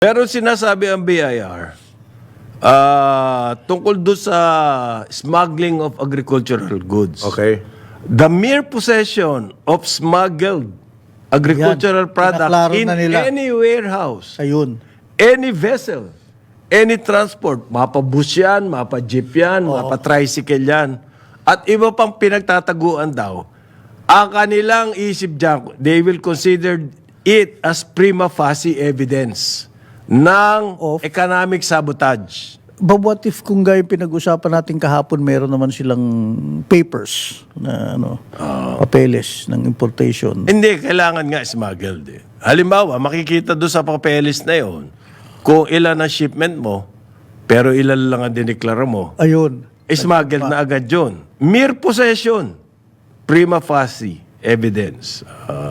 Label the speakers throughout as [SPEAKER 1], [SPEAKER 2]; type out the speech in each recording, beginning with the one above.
[SPEAKER 1] Pero sinasabi ang BIR, tungkol doon sa smuggling of agricultural goods.
[SPEAKER 2] Okay.
[SPEAKER 1] The mere possession of smuggled agricultural product
[SPEAKER 3] pinaklaro
[SPEAKER 1] in
[SPEAKER 3] na nila.
[SPEAKER 1] any warehouse,
[SPEAKER 3] Ayun.
[SPEAKER 1] any vessel, any transport, mapa-bus yan, mapa-jeep yan, mapa-tricycle yan, at iba pang pinagtataguan daw, ang kanilang isip dyan, they will consider it as prima facie evidence ng economic sabotage.
[SPEAKER 3] But what if kung gaya pinag-usapan natin kahapon, meron naman silang papers na papeles ng importation.
[SPEAKER 1] Hindi, kailangan nga smuggled eh. Halimbawa, makikita doon sa papeles na yon kung ilan ang shipment mo, pero ilan lang ang dineklara mo,
[SPEAKER 3] Ayun.
[SPEAKER 1] smuggled na agad yun. Mere possession, prima facie evidence.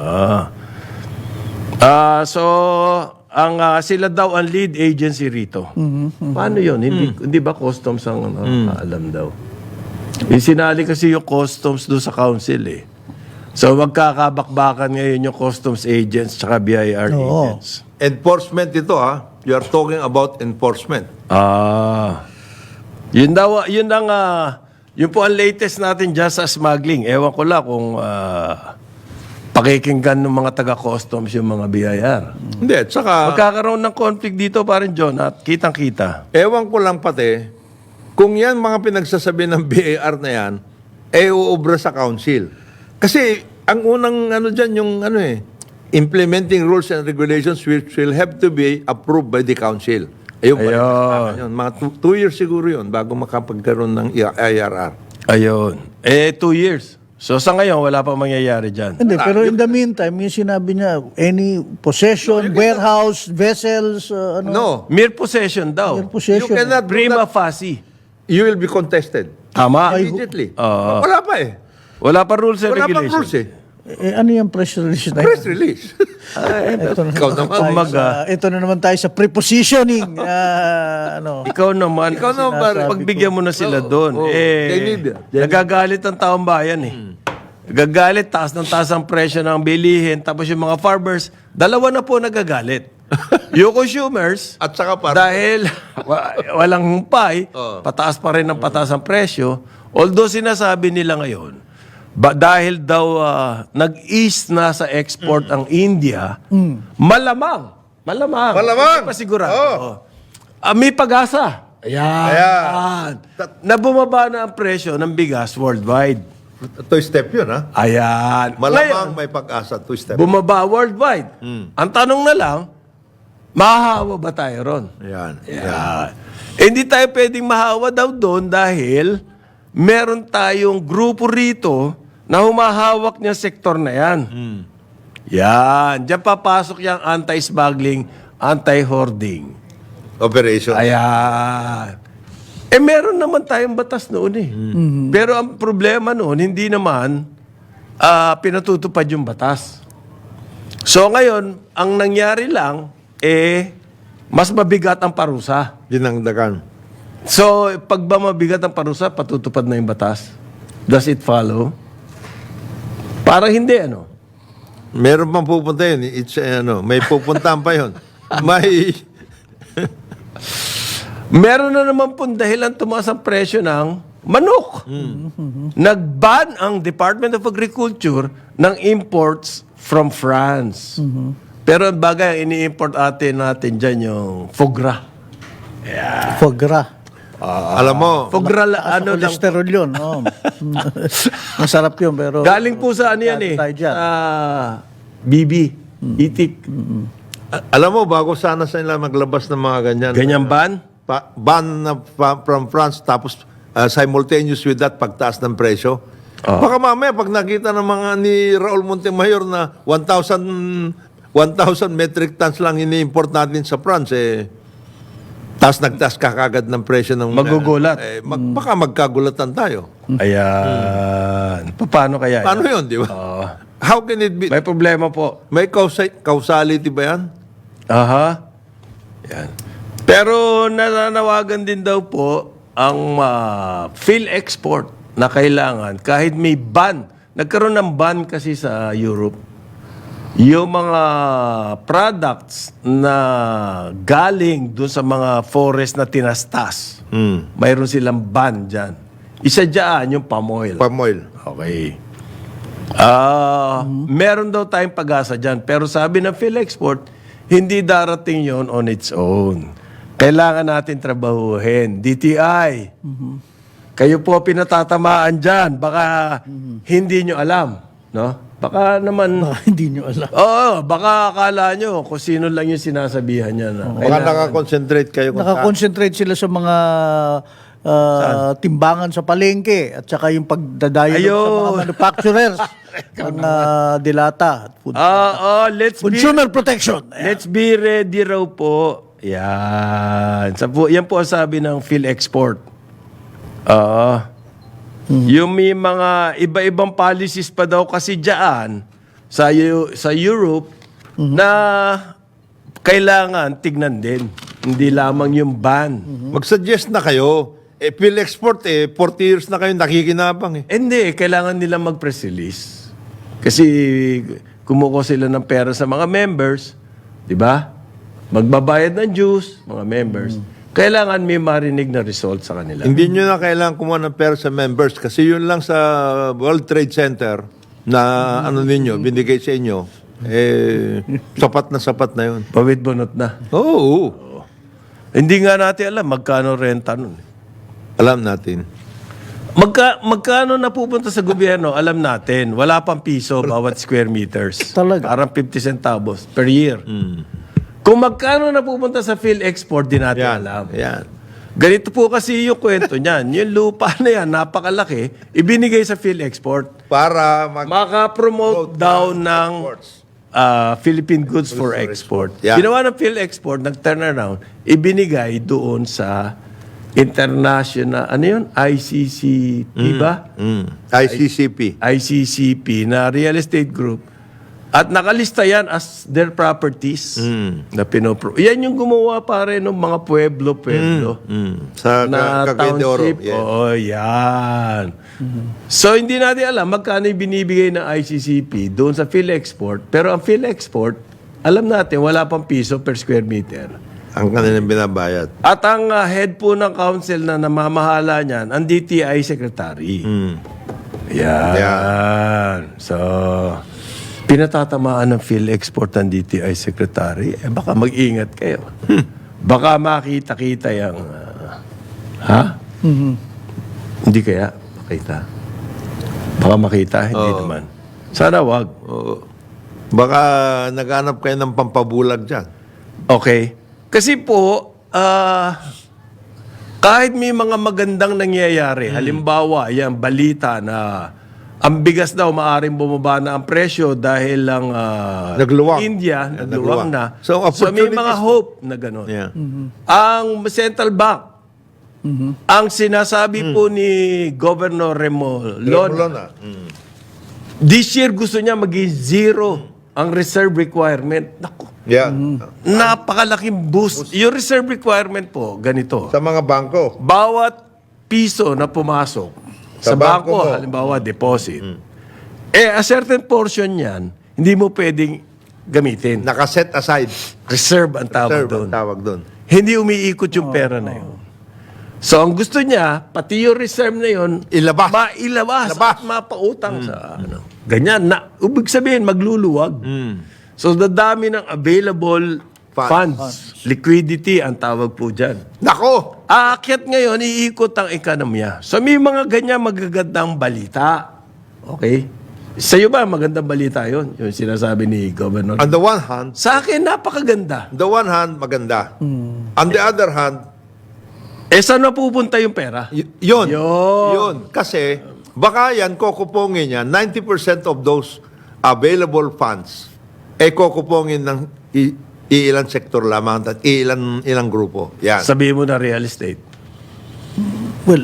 [SPEAKER 1] So, sila daw ang lead agency rito. Paano yun? Hindi ba customs ang alam daw? Sinali kasi yung customs doon sa council eh. So, magkakabakbakan ngayon yung customs agents tsaka BIR agents.
[SPEAKER 2] Enforcement ito ha. You are talking about enforcement.
[SPEAKER 1] Yun daw, yun po ang latest natin dyan sa smuggling. Ewan ko lang kung pakikinggan ng mga taga-customs yung mga BIR.
[SPEAKER 2] Hindi, at saka,
[SPEAKER 1] Magkakaroon ng conflict dito pa rin, John, at kitang-kita.
[SPEAKER 2] ewan ko lang pati, kung yan mga pinagsasabi ng BAR na yan, uubra sa council. Kasi, ang unang dyan, yung implementing rules and regulations which will have to be approved by the council. Ayun pa rin. Yun. Mga 2 years siguro yun bago makapagkaroon ng IRR.
[SPEAKER 1] Ayun. 2 years. So sa ngayon, wala pa mangyayari dyan.
[SPEAKER 3] Hindi, pero in the meantime, yung sinabi niya, any possession, warehouse, vessels,
[SPEAKER 2] No.
[SPEAKER 1] Mere possession daw.
[SPEAKER 3] mere possession.
[SPEAKER 2] You cannot do
[SPEAKER 1] Prima
[SPEAKER 2] that.
[SPEAKER 1] facie.
[SPEAKER 2] You will be contested.
[SPEAKER 1] Tama.
[SPEAKER 2] Immediately. Wala pa eh.
[SPEAKER 1] Wala pa rules and
[SPEAKER 2] Wala pa
[SPEAKER 1] regulations.
[SPEAKER 2] rules eh.
[SPEAKER 3] ano yung press release na
[SPEAKER 2] Press release.
[SPEAKER 3] Ito na,
[SPEAKER 2] Ikaw naman.
[SPEAKER 3] ito na naman tayo sa prepositioning.
[SPEAKER 1] Ikaw naman,
[SPEAKER 2] Ikaw naman,
[SPEAKER 1] pagbigyan mo na sila doon.
[SPEAKER 2] they need it.
[SPEAKER 1] Nagagalit ang taong bayan eh. Nagagalit, taas ng taas ang presyo ng bilihin, tapos yung mga farmers, dalawa na po nagagalit. Yung consumers,
[SPEAKER 2] At saka
[SPEAKER 1] dahil walang humpay, pataas pa rin ang pataas ang presyo, although sinasabi nila ngayon, dahil daw nag-ease na sa export ang India, malamang, hindi pa sigurado. May pag-asa. Ayan. Na bumaba na ang presyo ng bigas worldwide.
[SPEAKER 2] Two step yun ha.
[SPEAKER 1] Ayan.
[SPEAKER 2] Malamang may pag-asa. Two step.
[SPEAKER 1] Bumaba worldwide. Ang tanong na lang, mahahawa ba tayo ron?
[SPEAKER 2] Ayan.
[SPEAKER 1] Hindi tayo pwedeng mahawa daw doon dahil meron tayong grupo rito na humahawak niya sektor na yan. Yan. Diyan papasok yung anti-smuggling, anti-hoarding.
[SPEAKER 2] Operation.
[SPEAKER 1] Ayan. Meron naman tayong batas noon eh. Pero ang problema noon, hindi naman pinatutupad yung batas. So ngayon, ang nangyari lang, mas mabigat ang parusa.
[SPEAKER 2] Dinangdagan.
[SPEAKER 1] So, pag ba mabigat ang parusa, patutupad na yung batas? Does it follow? Parang hindi, ano?
[SPEAKER 2] Meron pang pupunta yun. It's, may pupuntahan pa yun. May...
[SPEAKER 1] Meron na naman pong dahilan tumaas ang presyo ng manok. Nag-ban ang Department of Agriculture ng imports from France. Pero ang bagay, ang ini-import natin dyan yung foie gras.
[SPEAKER 3] foie gras.
[SPEAKER 2] alam mo,
[SPEAKER 1] Foie gras, ano lang.
[SPEAKER 3] Cholesterol yun. Masarap yun, pero...
[SPEAKER 1] Galing po sa ano yan eh.
[SPEAKER 3] tayo dyan.
[SPEAKER 1] BB. Itik.
[SPEAKER 2] alam mo, bago sana sila maglabas ng mga ganyan.
[SPEAKER 1] Ganyan ban?
[SPEAKER 2] Ban na from France, tapos simultaneous with that, pagtaas ng presyo. Baka mamaya, pag nakita ng mga ni Raul Montemayor na 1,000 metric tons lang ini-import natin sa France, tapos nagtaas ka kagad ng presyo ng...
[SPEAKER 1] Magugulat.
[SPEAKER 2] Baka magkagulatan tayo.
[SPEAKER 1] Ayan. Paano kaya?
[SPEAKER 2] Paano yun, di ba? How can it be?
[SPEAKER 1] May problema po.
[SPEAKER 2] May causality ba yan?
[SPEAKER 1] Aha. Yan. Pero nananawagan din daw po ang PhilExport na kailangan kahit may ban. Nagkaroon ng ban kasi sa Europe. yung mga products na galing dun sa mga forest na tinastas, mayroon silang ban dyan. Isa dyan yung palm oil.
[SPEAKER 2] Palm oil.
[SPEAKER 1] Okay. Meron daw tayong pag-asa dyan. Pero sabi ng PhilExport, hindi darating yon on its own. Kailangan natin trabahuhin. DTI, kayo po pinatatamaan dyan. Baka hindi nyo alam. No? Baka naman...
[SPEAKER 3] Hindi nyo alam.
[SPEAKER 1] Oo, baka akala nyo kung sino lang yung sinasabihan niya. Na.
[SPEAKER 2] Baka nakakonsentrate kayo kung saan.
[SPEAKER 3] Nakakonsentrate sila sa mga timbangan sa palengke at saka yung pagdadayo sa mga manufacturers ng dilata. At food. Consumer protection.
[SPEAKER 1] Let's be ready raw po. Yan. Yan po ang sabi ng PhilExport. Yung may mga iba-ibang policies pa daw kasi dyan sa Europe na kailangan tignan din. Hindi lamang yung ban.
[SPEAKER 2] Mag-suggest na kayo. PhilExport, 40 years na kayo nakikinabang eh.
[SPEAKER 1] Hindi, kailangan nila mag-press release. Kasi kumukuha sila ng pera sa mga members, di ba? Magbabayad ng dues, mga members. Kailangan may marinig na result sa kanila.
[SPEAKER 2] Hindi nyo na kailangan kumuha ng pera sa members kasi yun lang sa World Trade Center na ano ninyo, binigay sa inyo, sapat na yun.
[SPEAKER 1] Pawid bunot na.
[SPEAKER 2] Oo.
[SPEAKER 1] Hindi nga natin alam magkano renta nun.
[SPEAKER 2] Alam natin.
[SPEAKER 1] Magkano napupunta sa gobyerno, alam natin. Wala pang piso bawat square meters.
[SPEAKER 3] Talaga?
[SPEAKER 1] Parang 50 centavos per year. Kung magkano napupunta sa PhilExport, di natin alam.
[SPEAKER 2] Yan.
[SPEAKER 1] Ganito po kasi yung kwento niyan. Yung lupa na yan, napakalaki, ibinigay sa PhilExport.
[SPEAKER 2] Para
[SPEAKER 1] Maka-promote daw ng Philippine goods for export.
[SPEAKER 2] Yeah.
[SPEAKER 1] Ginawa ng PhilExport, nag-turn around, ibinigay doon sa international, ano yun? ICCP ba?
[SPEAKER 2] ICCP.
[SPEAKER 1] ICCP na real estate group. At nakalista yan as their properties na yan yung gumawa pare ng mga pueblo.
[SPEAKER 2] Sa
[SPEAKER 1] Na
[SPEAKER 2] Cagayan de Oro.
[SPEAKER 1] township.
[SPEAKER 2] Yeah.
[SPEAKER 1] Oo, yan. So, hindi natin alam magkano yung binibigay ng ICCP doon sa PhilExport. Pero ang PhilExport, alam natin, wala pang piso per square meter.
[SPEAKER 2] Ang kanilang binabayad.
[SPEAKER 1] At ang head po ng council na namamahala niyan, ang DTI secretary. Yan. So, pinatatamaan ng PhilExport ng DTI secretary, baka mag-ingat kayo. Baka makita-kita yung... Hindi kaya makita. Baka makita, hindi naman. Sana wag.
[SPEAKER 2] Oo. Baka naghanap kayo ng pampabulag dyan.
[SPEAKER 1] Okay. Kasi po, kahit may mga magandang nangyayari, halimbawa, yan, balita na ang bigas daw maaaring bumaba na ang presyo dahil lang
[SPEAKER 2] Nagluwang.
[SPEAKER 1] India, nagluwang na.
[SPEAKER 2] So,
[SPEAKER 1] So, may
[SPEAKER 2] opportunities
[SPEAKER 1] mga hope na gano'n.
[SPEAKER 2] Yeah.
[SPEAKER 1] Ang Central Bank, ang sinasabi po ni Governor Remolona,
[SPEAKER 2] Remolona.
[SPEAKER 1] this year gusto niya maging zero ang reserve requirement. Naku,
[SPEAKER 2] Yeah.
[SPEAKER 1] napakalaking boost. Yung reserve requirement po, ganito.
[SPEAKER 2] Sa mga bangko.
[SPEAKER 1] Bawat piso na pumasok sa
[SPEAKER 2] Sa bangko
[SPEAKER 1] bangko,
[SPEAKER 2] mo.
[SPEAKER 1] halimbawa deposit, a certain portion yan, hindi mo pwedeng gamitin.
[SPEAKER 2] Nakaset aside.
[SPEAKER 1] Reserve ang tawag
[SPEAKER 2] Reserve
[SPEAKER 1] doon.
[SPEAKER 2] ang tawag doon.
[SPEAKER 1] Hindi umiikot yung pera na yun. So, ang gusto niya, pati yung reserve na yun,
[SPEAKER 2] Ilabas.
[SPEAKER 1] mailabas
[SPEAKER 2] Labas.
[SPEAKER 1] at mapautang sa ano. Ganyan. Ibig sabihin, magluluwag. So, dadami ng available funds. Liquidity ang tawag po dyan.
[SPEAKER 2] Nako!
[SPEAKER 1] Aakyat ngayon, iikot ang ekonomiya. So, may mga ganyan magagandang balita. Okay? Sa iyo ba, magandang balita yon yung sinasabi ni Governor?
[SPEAKER 2] On the one hand,
[SPEAKER 1] Sa akin, napakaganda.
[SPEAKER 2] maganda. On the other hand,
[SPEAKER 1] Saan napupunta yung pera?
[SPEAKER 2] yun.
[SPEAKER 1] Yun.
[SPEAKER 2] Yun. Kasi, baka yan, kokupongin niya, 90% of those available funds, kokupongin ng ilang sektor lamang at ilang grupo. Yan.
[SPEAKER 1] Sabihin mo na real estate.
[SPEAKER 3] Well,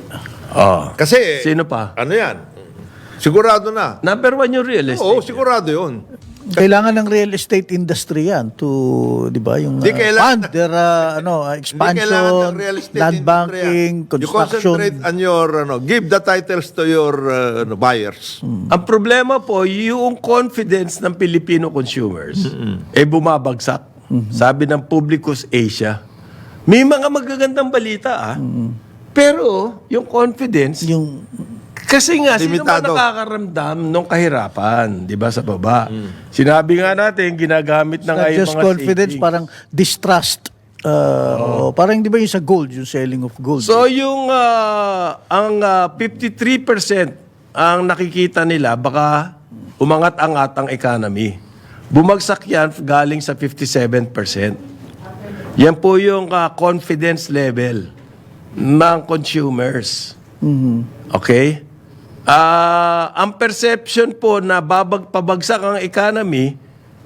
[SPEAKER 2] Kasi,
[SPEAKER 1] Sino pa?
[SPEAKER 2] ano yan? Sigurado na.
[SPEAKER 1] Number one yung real estate.
[SPEAKER 2] Oo, sigurado yun.
[SPEAKER 3] Kailangan ng real estate industry yan to, di ba, yung
[SPEAKER 2] Di kailangan-
[SPEAKER 3] fund their
[SPEAKER 2] Hindi kailangan
[SPEAKER 3] expansion,
[SPEAKER 2] ng real estate
[SPEAKER 3] land
[SPEAKER 2] industry
[SPEAKER 3] banking,
[SPEAKER 2] yan. You
[SPEAKER 3] construction.
[SPEAKER 2] concentrate on your, give the titles to your buyers.
[SPEAKER 1] Ang problema po, yung confidence ng Filipino consumers, bumabagsak. Sabi ng Publicus Asia, may mga magagandang balita pero yung confidence,
[SPEAKER 3] Yung
[SPEAKER 1] kasi nga, sino ba
[SPEAKER 2] Limitado.
[SPEAKER 1] nakakaramdam ng kahirapan, di ba, sa baba? Sinabi nga natin, ginagamit na nga
[SPEAKER 3] not
[SPEAKER 1] yung
[SPEAKER 3] just
[SPEAKER 1] mga
[SPEAKER 3] confidence,
[SPEAKER 1] savings.
[SPEAKER 3] parang distrust. Parang di ba yung sa gold, yung selling of gold.
[SPEAKER 1] So yung ang 53% ang nakikita nila baka umangat-angat ang economy. Bumagsak yan galing sa 57%. Yan po yung confidence level ng consumers. Okay? Ang perception po na pabagsak ang economy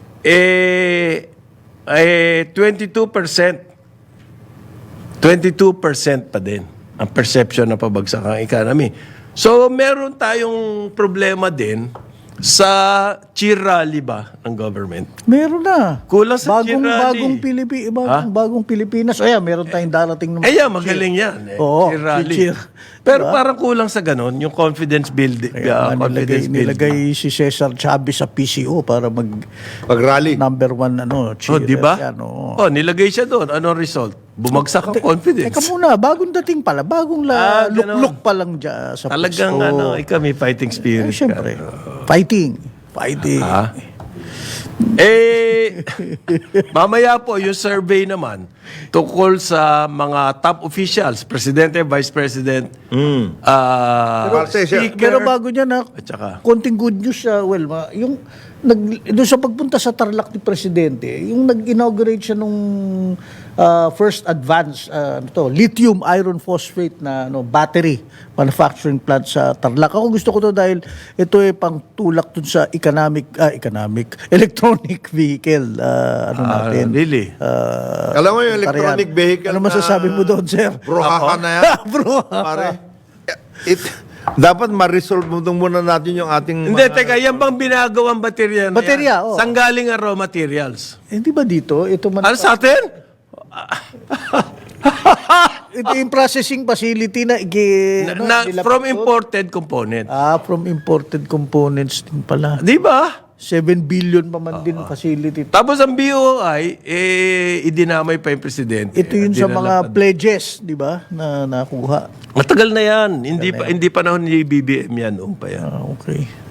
[SPEAKER 1] 22%. 22% pa din ang perception na pabagsak ang economy. So, meron tayong problema din sa cheer rally ba ng government?
[SPEAKER 3] Meron na.
[SPEAKER 1] Kulang sa cheer rally.
[SPEAKER 3] Bagong Pilipinas. Ayan, meron tayong darating naman.
[SPEAKER 1] Magaling yan.
[SPEAKER 3] Oo,
[SPEAKER 1] cheer rally.
[SPEAKER 3] cheer.
[SPEAKER 1] Pero parang kulang sa ganon, yung confidence building.
[SPEAKER 3] Nilagay si Cesar Chavez sa PCO para
[SPEAKER 2] Pag-rally.
[SPEAKER 3] number one cheerer.
[SPEAKER 1] Di ba?
[SPEAKER 3] Yan, oo.
[SPEAKER 1] Nilagay siya doon. Anong result? Bumagsak ang confidence.
[SPEAKER 3] Teka muna, bagong dating pala. Bagong
[SPEAKER 1] ganon.
[SPEAKER 3] lukluk pa lang dyan sa
[SPEAKER 1] Talagang
[SPEAKER 3] pwesto.
[SPEAKER 1] may fighting spirit.
[SPEAKER 3] Siyempre.
[SPEAKER 1] ka.
[SPEAKER 3] Fighting.
[SPEAKER 1] Mamaya po, yung survey naman tungkol sa mga top officials, Presidente, Vice President, Speaker,
[SPEAKER 3] Pero bago niya na,
[SPEAKER 1] at saka,
[SPEAKER 3] konting good news, yung doon sa pagpunta sa Tarlac ni Presidente, yung nag-inaugurate siya nung first advance lithium iron phosphate na battery manufacturing plant sa Tarlac. Ako gusto ko to dahil ito pang tulak dun sa electronic vehicle natin.
[SPEAKER 1] really?
[SPEAKER 2] Alam mo yung electronic vehicle
[SPEAKER 3] Ano masasabi mo doon, sir?
[SPEAKER 2] Bruhaha na yan. Pare, dapat ma-resolve muna natin yung ating...
[SPEAKER 1] Hindi, teka, yan bang binagawang baterya na
[SPEAKER 3] Baterya,
[SPEAKER 1] yan?
[SPEAKER 3] oo.
[SPEAKER 1] Saan galing ang raw materials?
[SPEAKER 3] Hindi ba dito? Ito
[SPEAKER 1] Ano sa atin?
[SPEAKER 3] Ito yung processing facility na nilapit
[SPEAKER 1] From
[SPEAKER 3] doon.
[SPEAKER 1] imported component.
[SPEAKER 3] From imported components din pala.
[SPEAKER 1] Di ba?
[SPEAKER 3] 7 billion pa man din facility.
[SPEAKER 1] Tapos ang BOI, idinamay pa yung presidente.
[SPEAKER 3] Ito yun sa
[SPEAKER 1] Dinala
[SPEAKER 3] mga pledges, di ba, na nakuha.
[SPEAKER 1] Matagal na yan. Hindi panahon ni BBM yan. Noong pa yan.
[SPEAKER 3] Okay.